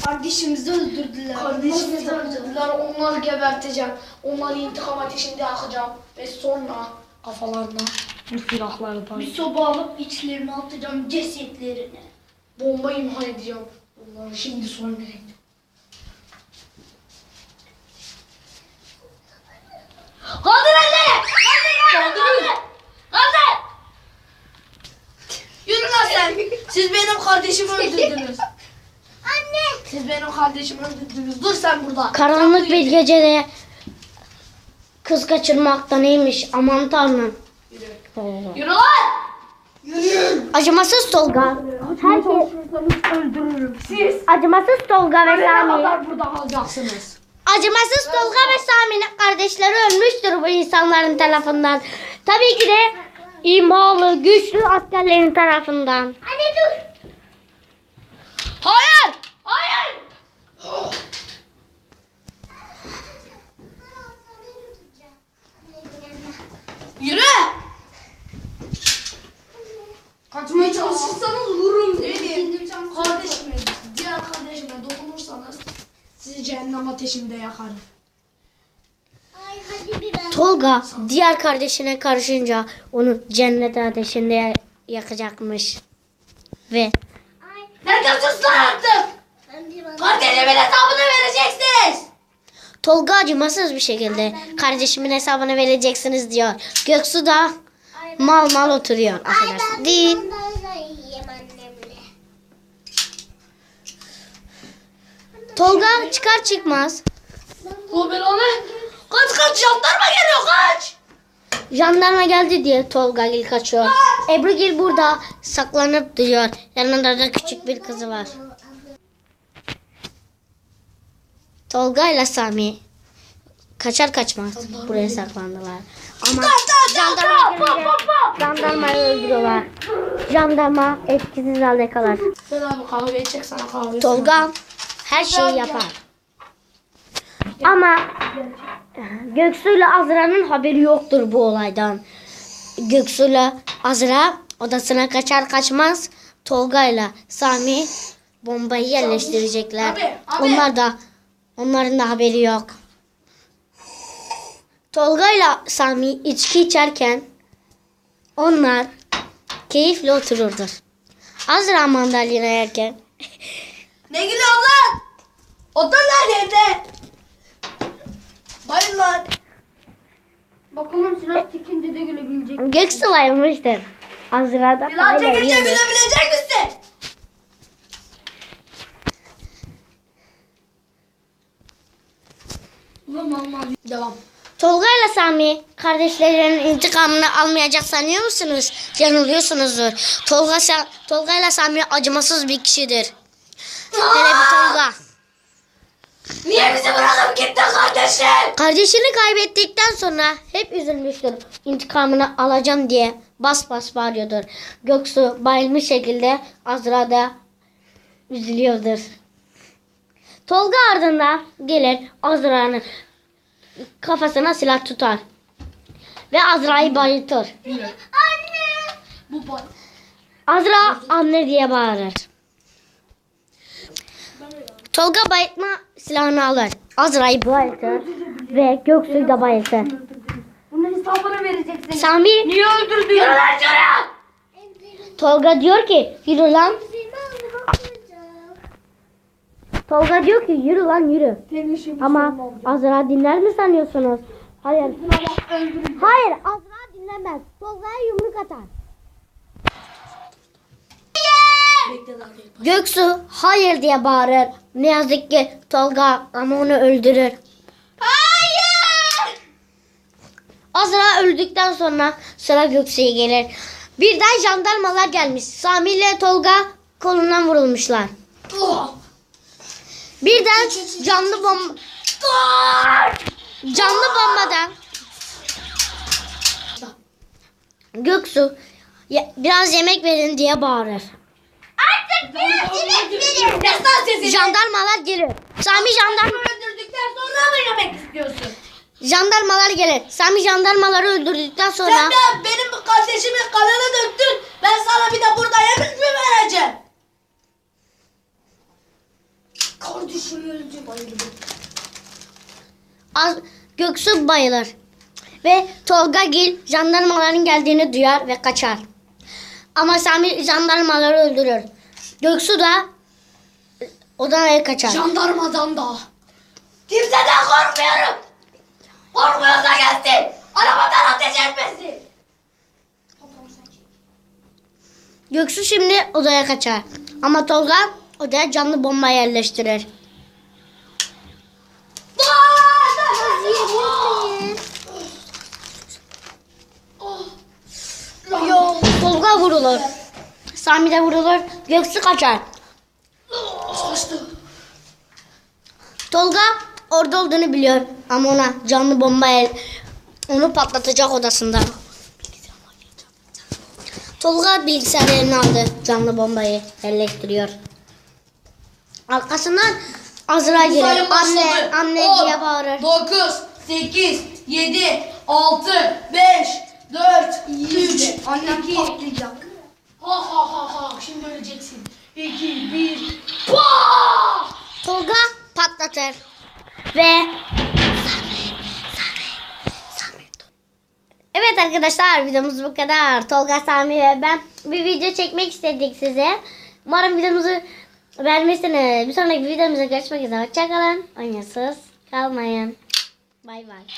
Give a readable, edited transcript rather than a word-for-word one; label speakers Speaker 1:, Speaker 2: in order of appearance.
Speaker 1: Kardeşimizi öldürdüler.
Speaker 2: Kardeşimizi öldürdüler. Onları geberteceğim. Onları intikam ateşinde yakacağım. Ve sonra kafalarına bu silahları
Speaker 1: Bir soba alıp içlerine atacağım cesetlerini.
Speaker 2: bomba imha edeceğim. Onları şimdi soymaya gidiyorum.
Speaker 1: Kaldır elleri! Kaldır! Yürü lan sen! Siz benim kardeşimi öldürdünüz.
Speaker 2: Anne! Siz benim kardeşimi öldürdünüz. Dur sen burada.
Speaker 3: Karanlık bir gecede kız kaçırmak da neymiş aman tanrım.
Speaker 2: Yürü lan!
Speaker 3: Acımasız Tolga.
Speaker 2: Öldürürüm. Siz
Speaker 3: Acımasız Tolga ve
Speaker 2: ne
Speaker 3: Sami.
Speaker 2: kadar burada kalacaksınız?
Speaker 3: Acımasız Tolga ve Sami'nin kardeşleri ölmüştür bu insanların tarafından. Tabii ki de imalı, güçlü askerlerin tarafından.
Speaker 1: Anne dur!
Speaker 2: Hayır! Hayır!
Speaker 1: Yürü! Kaçmaya çalışırsanız vururum.
Speaker 2: Benim kardeşime, diğer kardeşime dokunursanız sizi cehennem ateşinde yakarım.
Speaker 3: Tolga diğer kardeşine karışınca onu cennet ateşinde yakacakmış. Ve
Speaker 1: Ne diyorsunuz lan artık? Kardeşimin hesabını vereceksiniz.
Speaker 3: Tolga acımasız bir şekilde kardeşimin hesabını vereceksiniz diyor. Göksu da mal mal oturuyor. Affedersin. Değil. Tolga çıkar çıkmaz
Speaker 2: O belanı. Kaç jandarma geliyor kaç.
Speaker 3: jandarma geldi diye Tolga Gil kaçıyor. Ebru Gil burada saklanıp duruyor. Yanında da küçük bir kızı var. Tolga ile Sami kaçar kaçmaz buraya saklandılar. Ama jandarma gelince jandarmayı öldürüyorlar. Jandarma etkisiz halde kalır.
Speaker 2: Sen abi kahve içecek sana kahve.
Speaker 3: Tolga her şeyi yapar. Ama Göksu ile Azra'nın haberi yoktur bu olaydan. Göksu ile Azra odasına kaçar kaçmaz Tolga ile Sami bombayı yerleştirecekler.
Speaker 2: Abi.
Speaker 3: Onların da haberi yok. Tolga ile Sami içki içerken onlar keyifle otururdur. Azra mandalina yerken
Speaker 1: Ne gülüyorsun lan? Otur lan evde. Bayıl lan.
Speaker 2: Bakalım silah tikince de gülebilecek.
Speaker 3: Göksu bayılmıştır. Azra da
Speaker 1: Lan çekince
Speaker 3: bayılıyor.
Speaker 1: gülebilecek misin?
Speaker 2: Devam.
Speaker 3: Tolga ile Sami kardeşlerinin intikamını almayacak sanıyor musunuz? Yanılıyorsunuzdur. Tolga ile Sami acımasız bir kişidir. Hele bir Tolga.
Speaker 1: Niye bizi bırakıp gittin kardeşim?
Speaker 3: Kardeşini kaybettikten sonra hep üzülmüştür. İntikamını alacağım diye bas bas bağırıyordur. Göksu bayılmış şekilde Azra da üzülüyordur. Tolga ardından gelir Azra'nın kafasına silah tutar. Ve Azra'yı bayıltır.
Speaker 2: Bu boy.
Speaker 3: Azra anne diye bağırır. Tolga bayıltma silahını alır. Azra'yı bayıltır ve Göksu'yu da bayıltır.
Speaker 2: Bunun hesabını vereceksin.
Speaker 3: Sami
Speaker 2: Niye öldürdün? Yürü lan şuraya.
Speaker 3: Tolga diyor ki yürü lan. Tolga diyor ki yürü lan yürü. Ama Azra dinler mi sanıyorsunuz? Hayır. Hayır Azra dinlemez. Tolga'ya yumruk atar. Göksu hayır diye bağırır. Ne yazık ki Tolga ama onu öldürür.
Speaker 1: Hayır.
Speaker 3: Azra öldükten sonra sıra Göksu'ya gelir. Birden jandarmalar gelmiş. Sami ile Tolga kolundan vurulmuşlar. Birden canlı bombadan Göksu biraz yemek verin diye bağırır.
Speaker 1: Artık biraz yemek verin. Destan sesini.
Speaker 3: Jandarmalar gelir. Sami
Speaker 1: Öldürdükten sonra mı yemek istiyorsun?
Speaker 3: jandarmalar gelir. Sami jandarmaları öldürdükten sonra
Speaker 1: Sen de benim kardeşimin kanını döktün. Ben sana bir de burada yemek mi vereceğim?
Speaker 2: düşürüldü bayıldı.
Speaker 3: Göksu bayılır. Ve Tolga Gil jandarmaların geldiğini duyar ve kaçar. Ama Sami jandarmaları öldürür. Göksu da odaya kaçar.
Speaker 2: Jandarmadan da.
Speaker 1: Kimseden korkmuyorum. Korkmuyorsa gelsin. Arabadan ateş etmesin.
Speaker 3: Göksu şimdi odaya kaçar. Ama Tolga odaya canlı bomba yerleştirir. Tolga vurulur. Sami de vurulur. Göksu kaçar.
Speaker 2: Kaçtı.
Speaker 3: Tolga orada olduğunu biliyor. Ama ona canlı bomba onu patlatacak odasında. Tolga bilgisayarını aldı. Canlı bombayı yerleştiriyor. Arkasından Azra gelir. Anne diye bağırır.
Speaker 1: 9, 8, 7, 6, 5, 4, 3,
Speaker 2: Annem
Speaker 1: 2,
Speaker 2: patlayacak. Ha ha ha ha. Şimdi öleceksin. 2, 1. Pah!
Speaker 3: Tolga patlatır. Ve evet arkadaşlar, videomuz bu kadar. Tolga, Sami ve ben bir video çekmek istedik size. Umarım videomuzu beğenmişsiniz. Bir sonraki videomuzda görüşmek üzere. Hoşçakalın. Oyunsuz kalmayın. Bay bay.